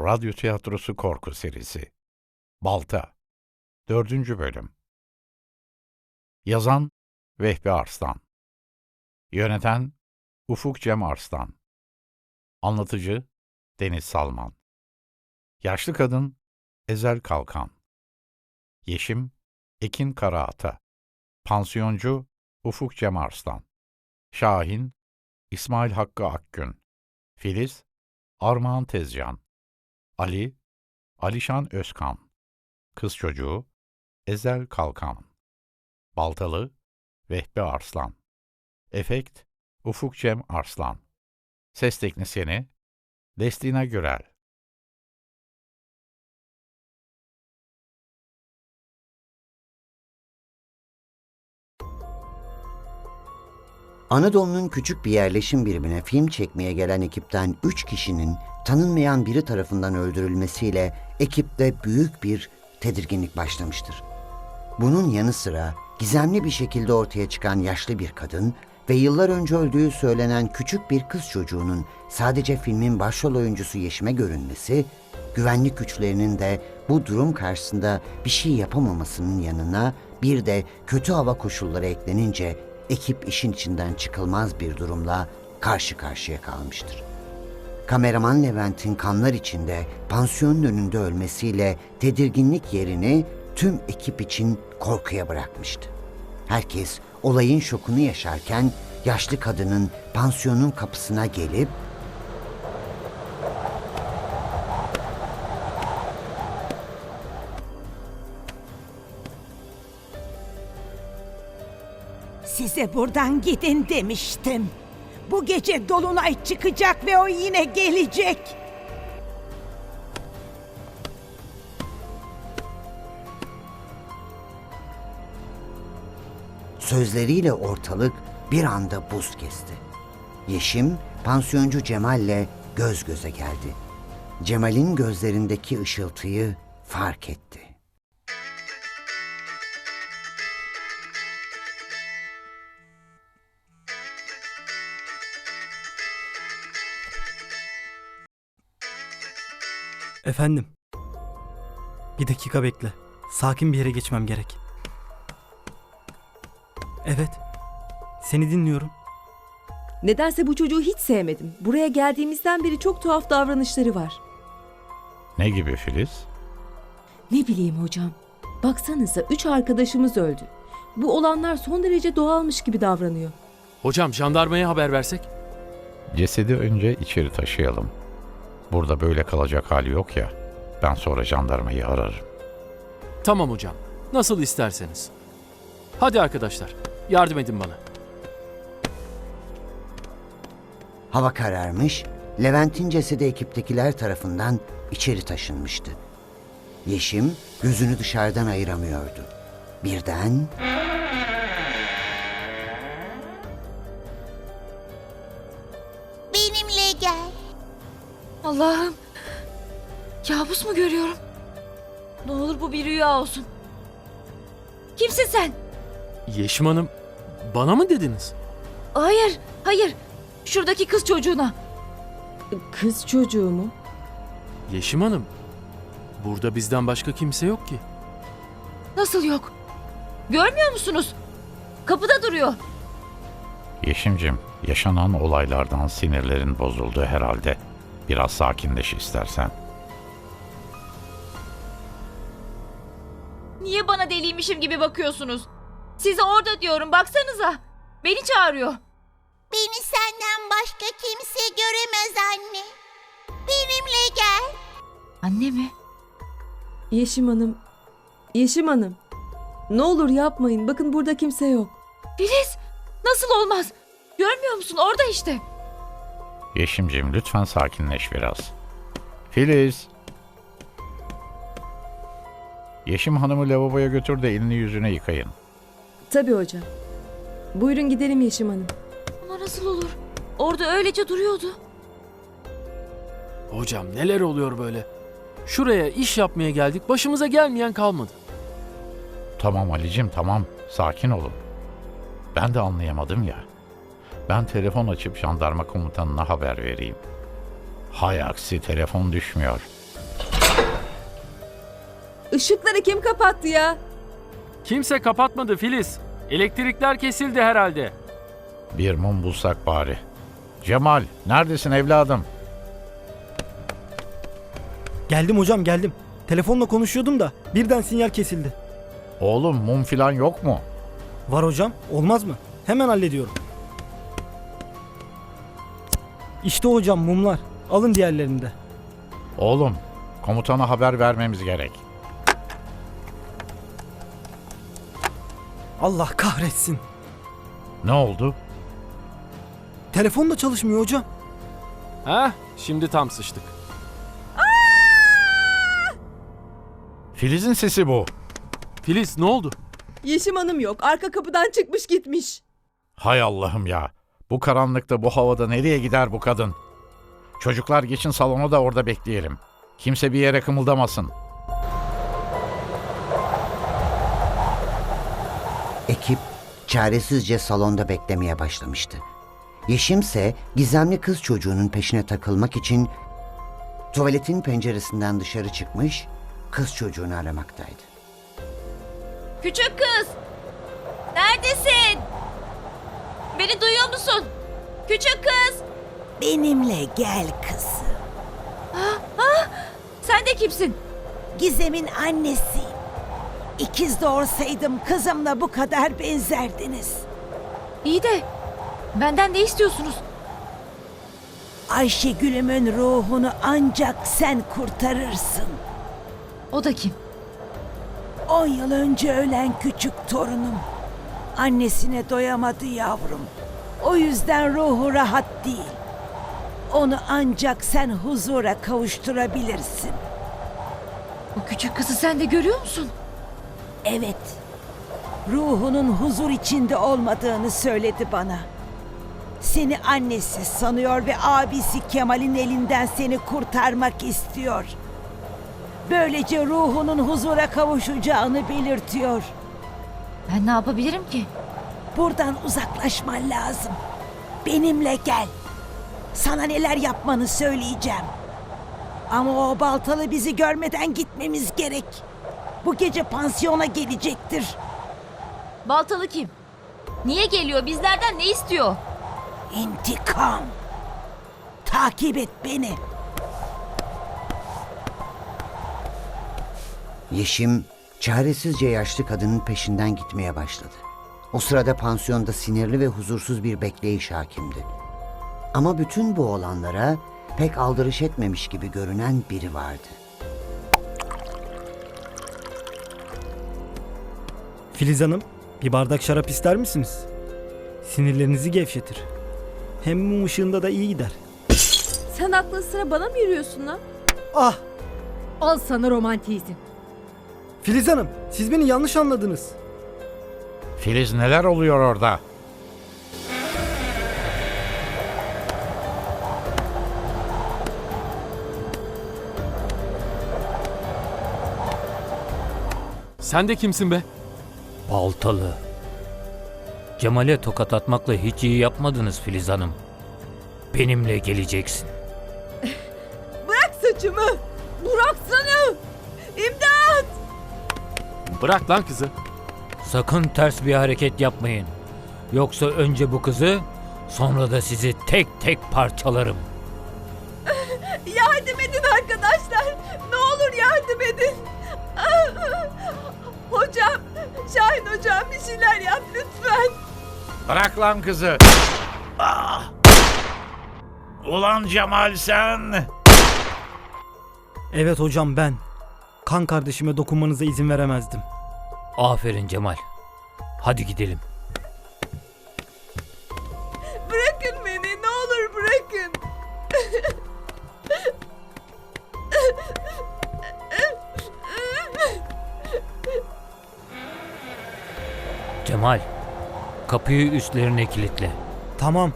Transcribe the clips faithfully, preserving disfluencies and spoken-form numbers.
Radyo Tiyatrosu Korku Serisi Balta dördüncü Bölüm Yazan Vehbi Arslan Yöneten Ufuk Cem Arslan Anlatıcı Deniz Salman Yaşlı Kadın Ezel Kalkan Yeşim Ekin Karaata Pansiyoncu Ufuk Cem Arslan Şahin İsmail Hakkı Akgün Filiz Armağan Tezcan Ali Alişan Özkan Kız Çocuğu Ezel Kalkan Baltalı Vehbi Arslan Efekt Ufuk Cem Arslan Ses Teknisyeni Destina Gürel. Anadolu'nun küçük bir yerleşim birimine film çekmeye gelen ekipten üç kişinin tanınmayan biri tarafından öldürülmesiyle ekipte büyük bir tedirginlik başlamıştır. Bunun yanı sıra gizemli bir şekilde ortaya çıkan yaşlı bir kadın ve yıllar önce öldüğü söylenen küçük bir kız çocuğunun sadece filmin başrol oyuncusu Yeşim'e görünmesi, güvenlik güçlerinin de bu durum karşısında bir şey yapamamasının yanına bir de kötü hava koşulları eklenince ekip işin içinden çıkılmaz bir durumla karşı karşıya kalmıştır. Kameraman Levent'in kanlar içinde pansiyonun önünde ölmesiyle tedirginlik yerini tüm ekip için korkuya bırakmıştı. Herkes olayın şokunu yaşarken yaşlı kadının pansiyonun kapısına gelip "Size buradan gidin demiştim. Bu gece dolunay çıkacak ve o yine gelecek." sözleriyle ortalık bir anda buz kesti. Yeşim, pansiyoncu Cemal'le göz göze geldi. Cemal'in gözlerindeki ışıltıyı fark etti. Efendim. Bir dakika bekle. Sakin bir yere geçmem gerek. Evet. Seni dinliyorum. Nedense bu çocuğu hiç sevmedim. Buraya geldiğimizden beri çok tuhaf davranışları var. Ne gibi Filiz? Ne bileyim hocam. Baksanıza üç arkadaşımız öldü. Bu olanlar son derece doğalmış gibi davranıyor. Hocam jandarmaya haber versek? Cesedi önce içeri taşıyalım. Burada böyle kalacak hali yok ya. Ben sonra jandarmayı ararım. Tamam hocam. Nasıl isterseniz. Hadi arkadaşlar. Yardım edin bana. Hava kararmış, Levent'in cesedi ekiptekiler tarafından içeri taşınmıştı. Yeşim gözünü dışarıdan ayıramıyordu. Birden "Benimle gel." Allah'ım. Kabus mu görüyorum? Ne olur bu bir rüya olsun. Kimsin sen? Yeşim Hanım, bana mı dediniz? Hayır, hayır. Şuradaki kız çocuğuna. Kız çocuğu mu? Yeşim Hanım, burada bizden başka kimse yok ki. Nasıl yok? Görmüyor musunuz? Kapıda duruyor. Yeşimcim, yaşanan olaylardan sinirlerin bozuldu herhalde. Biraz sakinleş istersen. Niye bana deliymişim gibi bakıyorsunuz? Size orada diyorum, baksanıza. Beni çağırıyor. "Beni senden başka kimse göremez anne. Benimle gel." Anne mi? Yeşim Hanım. Yeşim Hanım. Ne olur yapmayın. Bakın burada kimse yok. Filiz! Nasıl olmaz? Görmüyor musun? Orada işte. Yeşimcim lütfen sakinleş biraz. Filiz! Yeşim Hanım'ı lavaboya götür de elini yüzüne yıkayın. Tabii hocam. Buyurun gidelim Yeşim Hanım. Ama nasıl olur? Orada öylece duruyordu. Hocam neler oluyor böyle? Şuraya iş yapmaya geldik, başımıza gelmeyen kalmadı. Tamam Ali'cim tamam, sakin olun. Ben de anlayamadım ya. Ben telefon açıp jandarma komutanına haber vereyim. Hay aksi telefon düşmüyor. Işıkları kim kapattı ya? Kimse kapatmadı Filiz. Elektrikler kesildi herhalde. Bir mum bulsak bari. Cemal, neredesin evladım? Geldim hocam geldim. Telefonla konuşuyordum da birden sinyal kesildi. Oğlum mum filan yok mu? Var hocam, olmaz mı? Hemen hallediyorum. İşte hocam mumlar. Alın diğerlerini de. Oğlum, komutana haber vermemiz gerek. Allah kahretsin. Ne oldu? Telefon da çalışmıyor hocam. Heh, şimdi tam sıçtık. Filiz'in sesi bu. Filiz ne oldu? Yeşim Hanım yok. Arka kapıdan çıkmış gitmiş. Hay Allah'ım ya. Bu karanlıkta, bu havada nereye gider bu kadın? Çocuklar geçin salona da orada bekleyelim. Kimse bir yere kımıldamasın. Ekip çaresizce salonda beklemeye başlamıştı. Yeşim ise gizemli kız çocuğunun peşine takılmak için tuvaletin penceresinden dışarı çıkmış, kız çocuğunu aramaktaydı. Küçük kız! Neredesin? Beni duyuyor musun? Küçük kız! Benimle gel kızım. Sen de kimsin? Gizem'in annesiyim. İkiz doğursaydım kızımla bu kadar benzerdiniz. İyi de benden ne istiyorsunuz? Ayşegül'ümün ruhunu ancak sen kurtarırsın. O da kim? On yıl önce ölen küçük torunum. Annesine doyamadı yavrum. O yüzden ruhu rahat değil. Onu ancak sen huzura kavuşturabilirsin. O küçük kızı sen de görüyor musun? Evet. Ruhunun huzur içinde olmadığını söyledi bana. Seni annesi sanıyor ve abisi Kemal'in elinden seni kurtarmak istiyor. Böylece ruhunun huzura kavuşacağını belirtiyor. Ben ne yapabilirim ki? Buradan uzaklaşman lazım. Benimle gel. Sana neler yapmanı söyleyeceğim. Ama o baltalı bizi görmeden gitmemiz gerek. Bu gece pansiyona gelecektir. Baltalı kim? Niye geliyor? Bizlerden ne istiyor? İntikam. Takip et beni. Yeşim çaresizce yaşlı kadının peşinden gitmeye başladı. O sırada pansiyonda sinirli ve huzursuz bir bekleyiş hakimdi. Ama bütün bu olanlara pek aldırış etmemiş gibi görünen biri vardı. Filiz Hanım, bir bardak şarap ister misiniz? Sinirlerinizi gevşetir. Hem mum ışığında da iyi gider. Sen aklın sıra bana mı yürüyorsun lan? Ah! Al sana romantizm. Filiz Hanım, siz beni yanlış anladınız. Filiz, neler oluyor orada? Sen de kimsin be? Baltalı. Cemal'e tokat atmakla hiç iyi yapmadınız Filiz Hanım. Benimle geleceksin. Bırak saçımı. Bıraksana. İmdat. Bırak lan kızı. Sakın ters bir hareket yapmayın. Yoksa önce bu kızı, sonra da sizi tek tek parçalarım. Yardım edin arkadaşlar. Ne olur yardım edin. Hocam, Şahin hocam bir şeyler yap lütfen. Bırak lan kızı. Ah! Ulan Cemal sen. Evet hocam ben. Kan kardeşime dokunmanıza izin veremezdim. Aferin Cemal. Hadi gidelim. Bırakın beni ne olur bırakın. Cemal, kapıyı üstlerine kilitle. Tamam.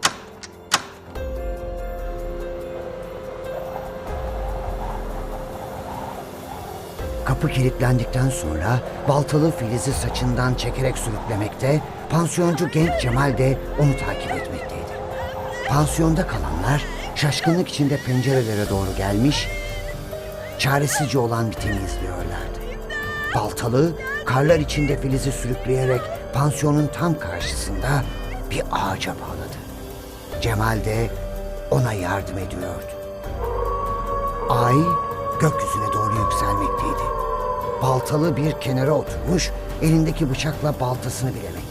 Kapı kilitlendikten sonra baltalı Filiz'i saçından çekerek sürüklemekte, pansiyoncu genç Cemal de onu takip etmekteydi. Pansiyonda kalanlar şaşkınlık içinde pencerelere doğru gelmiş, çaresizce olan biteni izliyorlardı. Baltalı karlar içinde Filiz'i sürükleyerek pansiyonun tam karşısında bir ağaca bağladı. Cemal de ona yardım ediyordu. Ay gökyüzüne doğru yükselmekteydi. Baltalı bir kenara oturmuş, elindeki bıçakla baltasını bilemekteydi.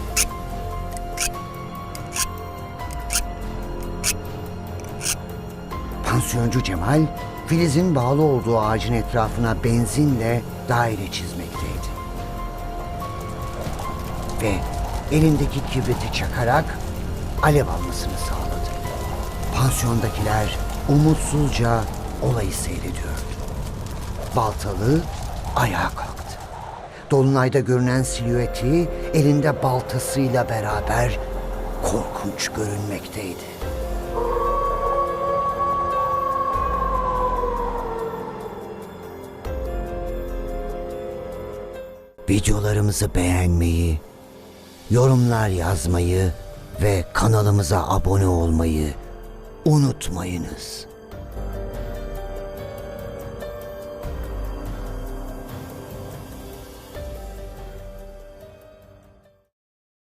Pansiyoncu Cemal, Filiz'in bağlı olduğu ağacın etrafına benzinle daire çizmekteydi. Ve elindeki kibriti çakarak alev almasını sağladı. Pansiyondakiler umutsuzca olayı seyrediyordu. Baltalı ayağa kalktı. Dolunayda görünen silüeti elinde baltasıyla beraber korkunç görünmekteydi. Videolarımızı beğenmeyi, yorumlar yazmayı ve kanalımıza abone olmayı unutmayınız.